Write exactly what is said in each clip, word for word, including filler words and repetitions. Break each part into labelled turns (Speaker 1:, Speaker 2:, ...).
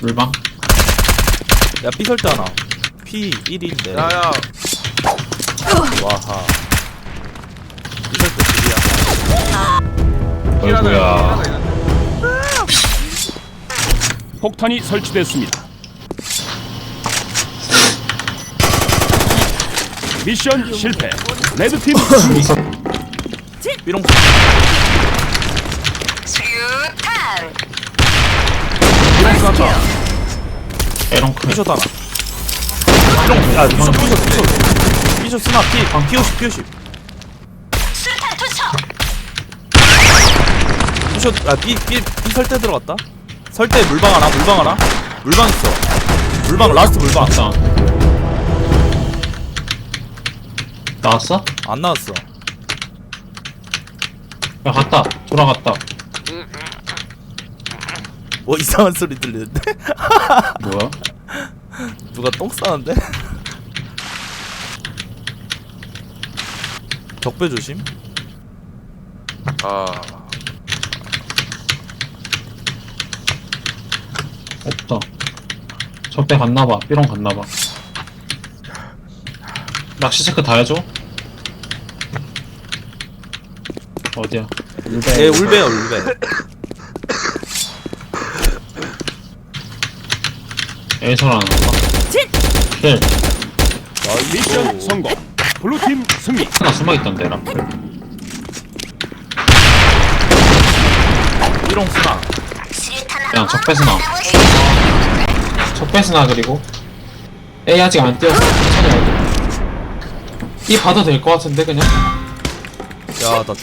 Speaker 1: 물방.
Speaker 2: 야 삐설 때 하나 피 일인데
Speaker 3: 야야
Speaker 2: 와하 삐설 때 둘이야.
Speaker 1: 어이구야.
Speaker 4: 폭탄이 설치됐습니다. 미션 실패. 레드팀 승리.
Speaker 2: 삐롱
Speaker 5: 수류탄.
Speaker 2: 삐롱 쐈다.
Speaker 1: 에런크.
Speaker 2: 삐숏 하나 삐롱 야 삐숏 삐숏 삐숏 삐숏 스나 피 피오십 피오십
Speaker 5: 수류탄 투척.
Speaker 2: 삐숏 아삐삐삐 설대 들어갔다. 설대 물방 하나 물방 하나 물방 있어. 물방 라스트 물방
Speaker 1: 왔다. 나왔어?
Speaker 2: 안 나왔어.
Speaker 1: 야 갔다. 돌아갔다.
Speaker 2: 뭐 이상한 소리 들리는데?
Speaker 1: 뭐야?
Speaker 2: 누가 똥 싸는데? 적배 조심.
Speaker 3: 아
Speaker 1: 없다. 적배 갔나봐. 삐롱 갔나봐. 낚시 체크 다 해줘. 어디야? 울베.
Speaker 2: 얘 울베야 울베.
Speaker 1: 에이설 안 한다. 킬.
Speaker 4: 미션 성공. 블루팀 승리.
Speaker 1: 하나 숨어있던데 라플.
Speaker 2: 삐롱 스나.
Speaker 5: 수류탄
Speaker 1: 그냥 적배스나. 적배스나 그리고 A 아직 안 뛰었어. 천천히 해야 이 봐도 될 것 같은데 그냥.
Speaker 2: 야나 또.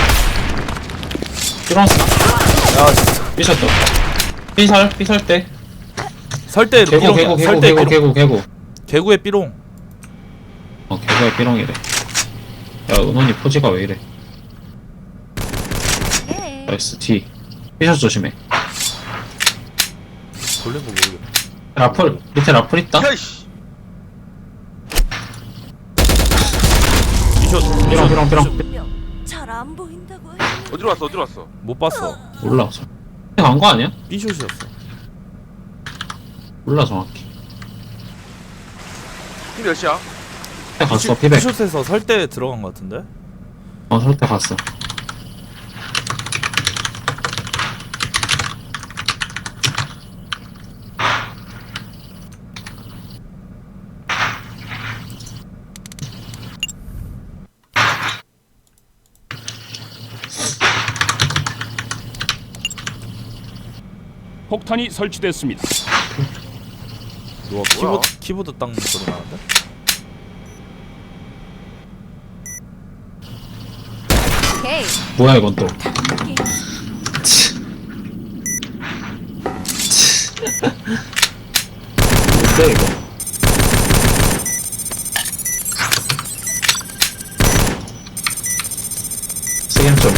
Speaker 1: 삐롱스나.
Speaker 2: 야 진짜.
Speaker 1: 삐셨다. 삐설 삐설 때.
Speaker 2: 설대
Speaker 1: 개구
Speaker 2: 삐롱.
Speaker 1: 개구 개구
Speaker 2: 설대
Speaker 1: 개구
Speaker 2: 삐롱.
Speaker 1: 개구 개구.
Speaker 2: 개구의 삐롱.
Speaker 1: 어 개구의 삐롱이래. 야 은원이 포즈가 왜 이래? 나이스 뒤. 삐셔 조심해.
Speaker 2: 돌린 거 모르겠네.
Speaker 1: 라플 밑에 라플 있다.
Speaker 3: 야이씨
Speaker 2: 삐숏
Speaker 1: 삐롱 삐롱 삐롱.
Speaker 5: 잘 안 보인다고.
Speaker 3: 어디로 왔어 어디로 왔어
Speaker 2: 못 봤어.
Speaker 1: 몰라. 간거 아니야?
Speaker 2: 삐숏이었어.
Speaker 1: 몰라 정확히.
Speaker 3: 팀 몇이야?
Speaker 1: 때 갔어 피백.
Speaker 2: 삐숏에서 설대 들어간 거 같은데?
Speaker 1: 어 설때 갔어.
Speaker 4: 폭탄이 설치됐습니다.
Speaker 2: 누가 키보드 키보드 땅 소리 나는데?
Speaker 5: 오케이.
Speaker 1: 뭐야 이건 또. 뭔데 이거? 세겜 좀.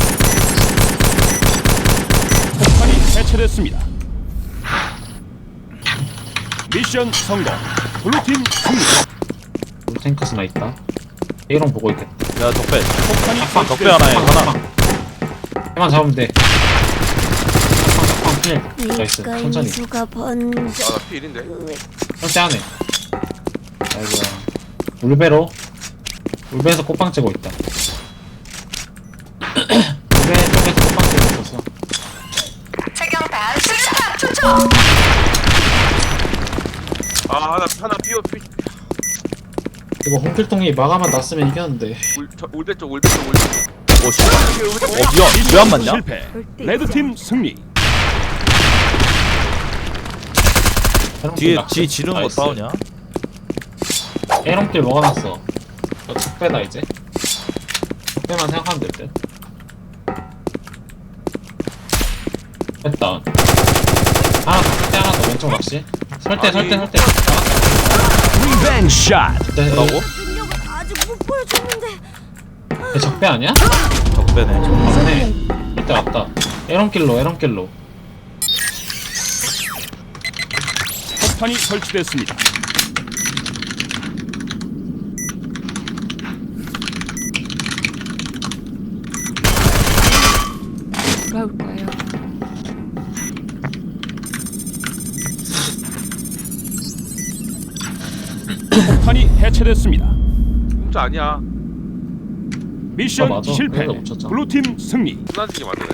Speaker 4: 폭탄이 해체됐습니다. 미션 성공. 블루팀 승리.
Speaker 1: 탱크스나 있다. A롱 보고 있겠다.
Speaker 2: 야 적배.
Speaker 4: 폭탄이
Speaker 1: 빡,
Speaker 2: 적배 하나에
Speaker 1: 빡,
Speaker 2: 하나.
Speaker 1: 빡. 해만 잡으면 돼. 빡, 빡, 필. 나이스. 천천히.
Speaker 5: 수가 번져.
Speaker 3: 아나 피 일인데
Speaker 1: 절대 안 해. 아이고야. 울베로. 울베에서 꽃빵 째고 있다. 울베 쪽에서 꽃빵 째고 있었어.
Speaker 5: 최경단 수류탄 투척.
Speaker 3: 아 하나 하나 피어 피
Speaker 1: 이거 홍길동이 마감만 났으면 이겼는데.
Speaker 3: 울, 저, 울배 쪽 울배 쪽 울배 쪽
Speaker 2: 오 씨. 어 미안.
Speaker 4: 미션
Speaker 2: 왜 안 맞냐?
Speaker 4: 실패. 레드팀 승리.
Speaker 2: 뒤에 뒤 지르는 거
Speaker 1: 나이스.
Speaker 2: 싸우냐?
Speaker 1: 에롱길 먹어놨어. 저 적배다 이제. 적배만 생각하면 될 듯. 됐다. 하나 더, 설대 하나 더, 왼쪽 낚시. 설대,
Speaker 3: 아니.
Speaker 1: 설대, 설대.
Speaker 4: 리벤지 샷.
Speaker 1: 네,
Speaker 2: 뭐라고?
Speaker 5: 능력을 아직 못 보여줬는데.
Speaker 1: 얘 적배 아니야?
Speaker 2: 적배네.
Speaker 1: 맞네. 설대 왔다. 에롱길로, 에롱길로.
Speaker 4: 폭탄이 설치됐습니다.
Speaker 5: 돌아올까요?
Speaker 4: 폭탄이 해체됐습니다.
Speaker 3: 공짜 아니야.
Speaker 4: 미션
Speaker 1: 아, 맞아.
Speaker 4: 실패.
Speaker 1: 그래서 못 쳤잖아.
Speaker 4: 블루팀 승리.
Speaker 3: 순환지게 만드네.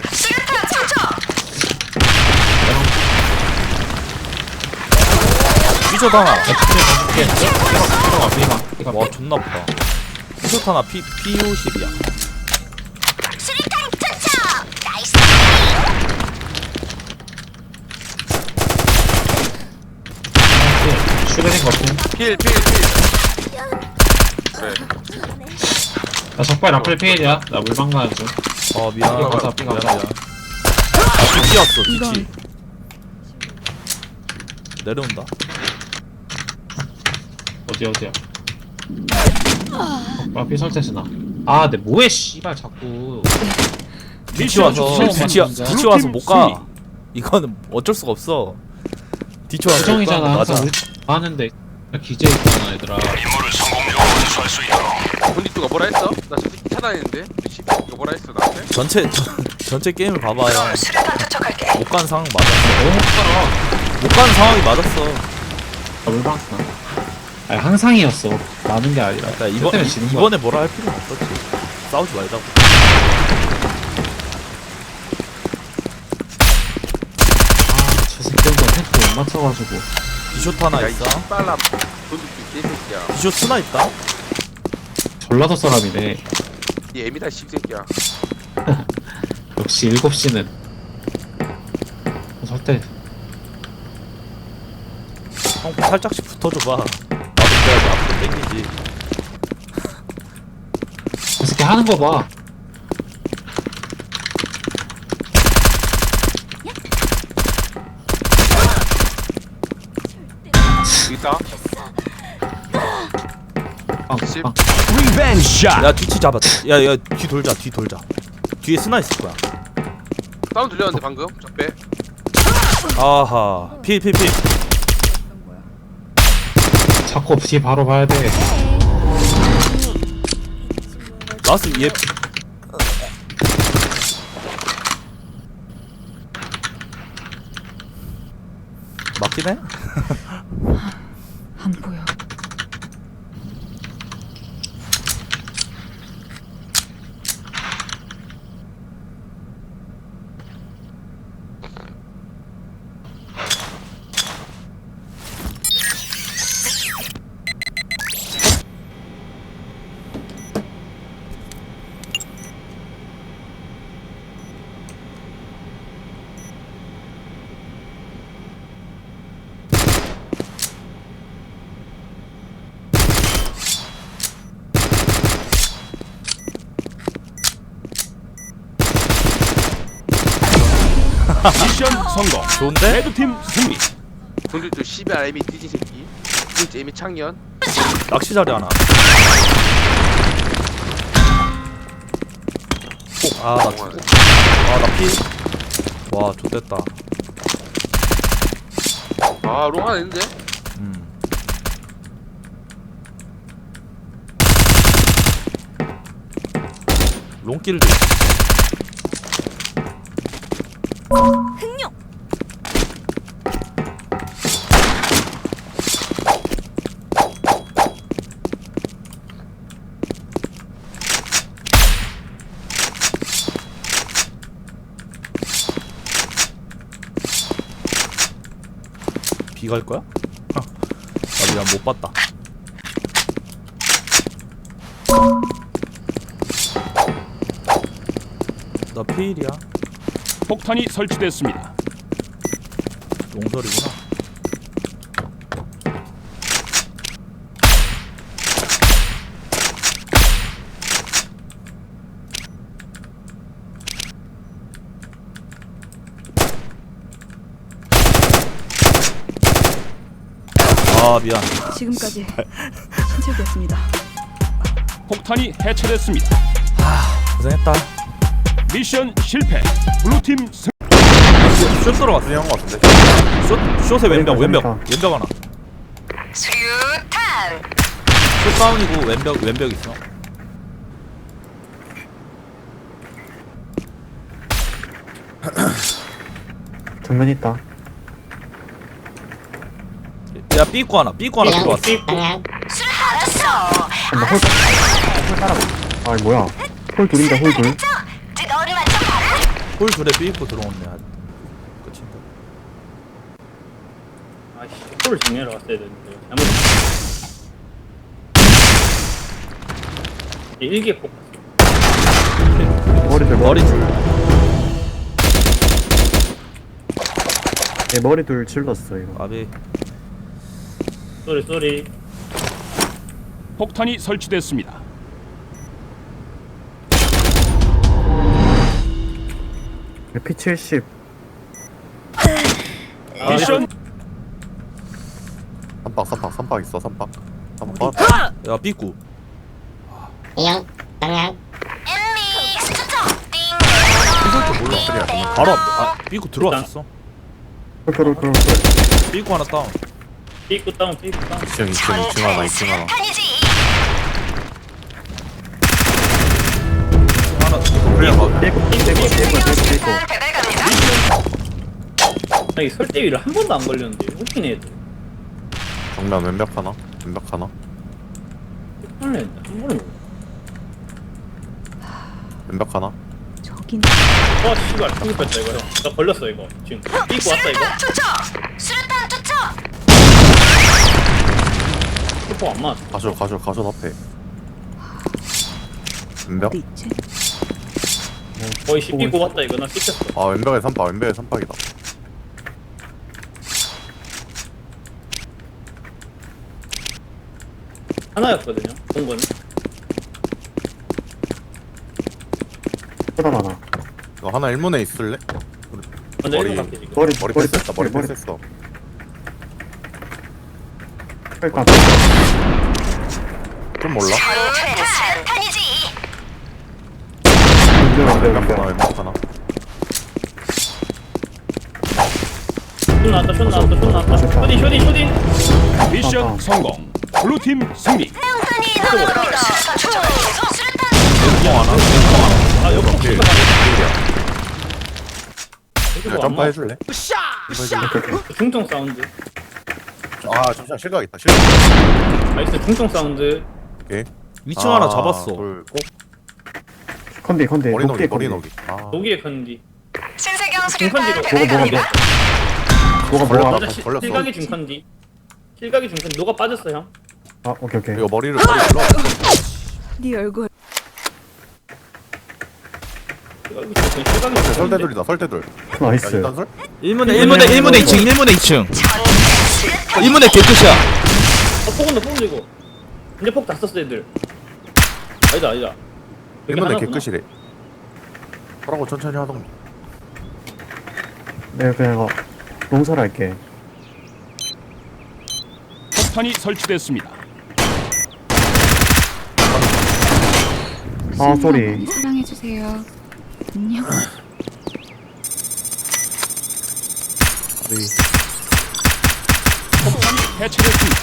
Speaker 2: 삐져 하나.
Speaker 1: 야, 줄게, 줄게. 삐가, 삐가, 삐가.
Speaker 2: 와 존나 아프다. 삐져 하나 피 피오십이야.
Speaker 5: 수류탄 투척. 나이스.
Speaker 1: 슈레딩 같은.
Speaker 3: 필, 필, 필. 그래.
Speaker 1: 나 적발 라플 피해야. 나 물방 가는 중.
Speaker 2: 어 미안.
Speaker 1: 삐가 가자, 삐가
Speaker 2: 미안,
Speaker 1: 가자.
Speaker 2: 미안. 아, 뒤치였어 뒤치. 내려온다.
Speaker 1: 어디 어디야? 적발 피 설치스나. 아, 내 뭐해 씨발 자꾸.
Speaker 2: 뒤치 와서
Speaker 4: 실패.
Speaker 2: 뒤치
Speaker 1: 진짜.
Speaker 2: 뒤치 와서 못 가.
Speaker 4: 승리.
Speaker 2: 이거는 어쩔 수가 없어. 뒤치 와서 못 가.
Speaker 1: 수정이잖아.
Speaker 2: 맞아.
Speaker 1: 항상 우리 하는데 기재 있잖아 얘들아.
Speaker 3: 본디뚜가 뭐라 했어? 나 저 새끼 차단했는데. 씨, 이거 뭐라 했어 나한테?
Speaker 2: 전체 전, 전체 게임을 봐봐요. 못 간 상황 맞았어.
Speaker 1: 너무 못 살아.
Speaker 2: 못 간 상황이 맞았어.
Speaker 1: 나 물방 쓰나? 아니 항상이었어. 많은 게 아니라.
Speaker 2: 그러니까 이번
Speaker 1: 때문에 지는 거야.
Speaker 2: 이번에 뭐라 할 필요는 없었지. 싸우지 말자고.
Speaker 1: 저 새끼가 템포 못 맞춰가지고.
Speaker 2: 디쇼트 하나
Speaker 3: 야, 이
Speaker 2: 있어.
Speaker 3: 빨라. 본디뚜 개새끼야.
Speaker 2: 디쇼트 하나 있다.
Speaker 1: 전라도 사람이네.
Speaker 3: 이 애미다 씹새끼야.
Speaker 1: 역시 일곱 시는 설때
Speaker 2: 형 살짝씩 붙어줘봐. 나도 그래야지 앞으로 땡기지.
Speaker 1: 저 새끼 하는 거 봐.
Speaker 3: 여기 있다.
Speaker 1: 빵,
Speaker 3: 십.
Speaker 1: 빵.
Speaker 4: 리벤지 샷.
Speaker 2: 야 뒤치 잡았다. 야야 뒤 돌자 뒤 돌자. 뒤에 스나 있을 거야.
Speaker 3: 사운드 들렸는데 방금. 적배.
Speaker 2: 아하 필필 필.
Speaker 1: 자꾸 뒤 바로 봐야 돼.
Speaker 2: 라스 얘. 맞긴 해?
Speaker 6: 안 보여.
Speaker 4: 미션 성공.
Speaker 2: 좋은데?
Speaker 4: 레드팀 승리.
Speaker 3: 본디뚜 씨발 애미 띠지 새끼. 진짜 애미 창년.
Speaker 2: 낚시 자리 하나. 아나 죽. 아나 피. 와 좋됐다.
Speaker 3: 아, 롱 하나 있는데?
Speaker 2: 음. 롱길도 있어.
Speaker 5: 흥룡.
Speaker 2: 비 갈 거야? 하, 나 미안 못 봤다. 나 피일이야.
Speaker 4: 폭탄이 설치됐습니다.
Speaker 2: 용설이구나. 아 미안.
Speaker 6: 지금까지 신체였습니다.
Speaker 4: 폭탄이 해체됐습니다.
Speaker 2: 고생했다.
Speaker 4: 미션 실패. 블루팀 승.
Speaker 2: 숏 들어갔어. 형 같은데. 숏 숏에 왼벽 왼벽 왼벽 하나.
Speaker 5: 수류탄.
Speaker 2: 숏 다운이고 왼벽 왼벽 있어.
Speaker 7: 정면 있다.
Speaker 2: 야 삐꾸 하나 삐꾸 하나 들어왔어.
Speaker 7: 나 홀, 홀 따라가. 아, 뭐야. 홀 둘인데, 홀 둘.
Speaker 5: 너를 맞춰봐라.
Speaker 2: 홀 둘에 삐입고 들어오네. 아, 끝인가?
Speaker 8: 아씨, 홀을 정리하러 갔어야 되는데. 잘못. 일개 폭.
Speaker 7: 머리 둘,
Speaker 2: 머리 둘.
Speaker 7: 네, 머리 둘 질렀어, 이거.
Speaker 2: 아비.
Speaker 8: 쏘리 쏘리.
Speaker 4: 폭탄이 설치됐습니다.
Speaker 7: 피 칠십.
Speaker 8: 아,
Speaker 4: 미션
Speaker 9: 삼박 삼박 삼박 있어 삼박 삼박.
Speaker 2: 야 삐꾸.
Speaker 5: 엠믹스 투척.
Speaker 2: 이럴 줄 몰라. 바로 앞. 아 삐꾸 들어왔었어.
Speaker 7: 홀, 홀, 홀, 홀.
Speaker 2: 삐꾸 하나 다운.
Speaker 8: 삐꾸 다운 삐꾸 다운.
Speaker 9: 이층 이층 이층 하나 이층 하나.
Speaker 5: 탄이지.
Speaker 2: 하나.
Speaker 9: 그냥 봐.
Speaker 7: 삐고, 삐고, 삐고, 삐고, 삐고.
Speaker 5: 배달 갑니다.
Speaker 8: 여기 설대위를 한 번도 안 걸렸는데 웃기네 애들.
Speaker 9: 정면 왼벽 하나 왼벽 하나
Speaker 8: 설레 한 번은.
Speaker 9: 왼벽 하나.
Speaker 6: 저긴
Speaker 8: 어 씨발 죽을 뻔했다 이거 형. 나 걸렸어 이거 지금. 삐꾸 왔다 이거.
Speaker 5: 수류탄 투척. 수류탄 투척.
Speaker 8: 슈퍼 안 맞았어.
Speaker 9: 가져 가져 가져 앞에. 왼벽.
Speaker 6: 어디 있지?
Speaker 8: 거의 씨 삐꾸 왔다 이거. 나 씹혔어.
Speaker 9: 아 왼벽에 삼박 왼벽에 삼박이다.
Speaker 8: 하나였거든요. 본 거는.
Speaker 7: 쏘다 많아.
Speaker 9: 너 하나 일문에 있을래?
Speaker 8: 먼저
Speaker 9: 머리-
Speaker 8: 일본 갈게 지금.
Speaker 7: 머리,
Speaker 9: 머리
Speaker 7: 머리
Speaker 9: 패스했다 머리
Speaker 7: 머리
Speaker 9: 패스했어.
Speaker 7: 그러니까.
Speaker 9: 좀 몰라.
Speaker 5: 수류탄 탄이지.
Speaker 7: 왼벽, 왼벽,
Speaker 9: 왼벽 하나
Speaker 7: 왼벽.
Speaker 9: 왼벽 하나.
Speaker 8: 쇼 나왔다 쇼 나왔다 쇼 나왔다. 쇼딘 쇼딘 쇼딘.
Speaker 4: 미션
Speaker 7: 아, 아.
Speaker 4: 성공. 블루팀 승리.
Speaker 5: 명탄이 넘어갑니다. 수류탄.
Speaker 2: 왼쪽 하나. 왼쪽 하나.
Speaker 8: 아 여기
Speaker 9: 오케이.
Speaker 8: 폭
Speaker 9: 야, 점프 해줄래?
Speaker 8: 중통 사운드.
Speaker 9: 아 잠시만 실각 있다 실각.
Speaker 8: 나이스 중통 사운드.
Speaker 9: 오케이.
Speaker 2: 이 층 하나 잡았어.
Speaker 9: 둘, 꼭
Speaker 7: 컨디, 컨디.
Speaker 9: 머리
Speaker 7: 녹디,
Speaker 9: 녹이 머리
Speaker 7: 컨디.
Speaker 9: 녹이. 아
Speaker 8: 독일의 컨디.
Speaker 5: 신세경
Speaker 8: 중컨디로.
Speaker 5: 수류탄
Speaker 7: 뭐가,
Speaker 5: 배달
Speaker 7: 뭐가,
Speaker 5: 갑니다.
Speaker 7: 뭐가, 뭐가.
Speaker 9: 걸렸다.
Speaker 8: 맞아 시-
Speaker 9: 걸렸어.
Speaker 8: 실각이 중컨디. 실각이 중컨디. 너가 빠졌어 형.
Speaker 7: 아, 오케이, 오케이.
Speaker 9: 이거 머리를 머리 불러.
Speaker 6: 네 얼굴
Speaker 8: 실각이 중컨디. 실각이 중컨디.
Speaker 9: 설대둘이다 설대둘. 야
Speaker 7: 나이스.
Speaker 9: 일단 설?
Speaker 2: 일문에 일문에 일문에 이 층 일문에 이 층. 일문에 개끝이야.
Speaker 8: 어 폭은다 폭은 이거. 이제 폭 다 썼어 애들. 아니다 아니다. 여기
Speaker 9: 일문에
Speaker 8: 하나구나.
Speaker 9: 개끝이래. 하라고 천천히 하던가.
Speaker 7: 내가 그냥 이거 농설할게.
Speaker 4: 폭탄이 설치됐습니다.
Speaker 7: 아, 쏘리.
Speaker 6: 많이 사랑해주세요. 안녕.
Speaker 9: 우리
Speaker 4: 폭탄이 해체됐습니다.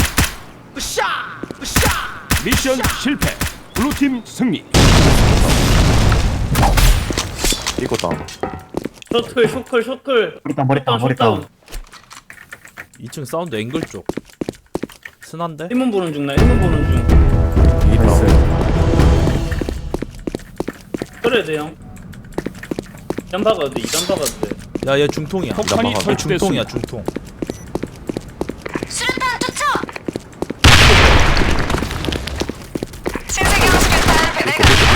Speaker 4: 미션 실패. 블루팀 승리.
Speaker 9: 이거 다운.
Speaker 8: 셔틀 쇼클 쇼클.
Speaker 7: 머리 다운, 머리 다운, 머리
Speaker 8: 숏다운.
Speaker 7: 다운.
Speaker 2: 이 층 사운드 앵글 쪽. 순한데?
Speaker 8: 일문 보는 중 나 일문 보는 중.
Speaker 7: 나이스.
Speaker 8: 그래야 돼 형. 이단 박아도 돼 이단 박아도 돼.
Speaker 2: 야 얘 중통이야.
Speaker 4: 폭탄이
Speaker 2: 얘
Speaker 4: 설치됐습니다.
Speaker 2: 중통이야 중통.
Speaker 5: 수류탄 투척. 신세경 수류탄 배달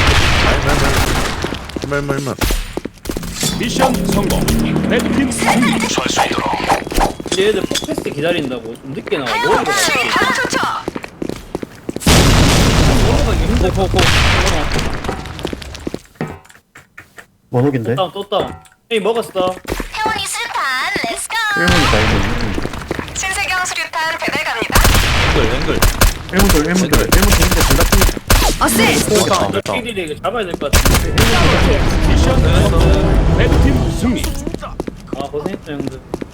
Speaker 5: 갑니다.
Speaker 9: 멜멜멜.
Speaker 4: 미션 성공. 레드팀 승리.
Speaker 8: 이제 얘들 폭패스 기다린다고 좀 늦게 나와. 머리가
Speaker 5: 수류탄
Speaker 8: 가볍게.
Speaker 5: 투척.
Speaker 8: 넘어가기 힘들 거.
Speaker 7: 원옥인데?
Speaker 8: 다운 또 다운. 에이 먹었어.
Speaker 5: 태원이 수류탄 렛츠고.
Speaker 7: 일문이다, 일문.
Speaker 5: 신세경 수류탄 배달 갑니다.
Speaker 2: 앵글 앵글.
Speaker 7: 일문 둘, 일문 둘. 일문 둘인데 둘다 피.
Speaker 5: 어스.
Speaker 9: 됐다
Speaker 8: 이거
Speaker 9: 됐다.
Speaker 8: 피디를 이거 잡아야 될 것 같은데.
Speaker 4: 미션 성공. 레드팀 승리.
Speaker 8: 아 고생했어 형들.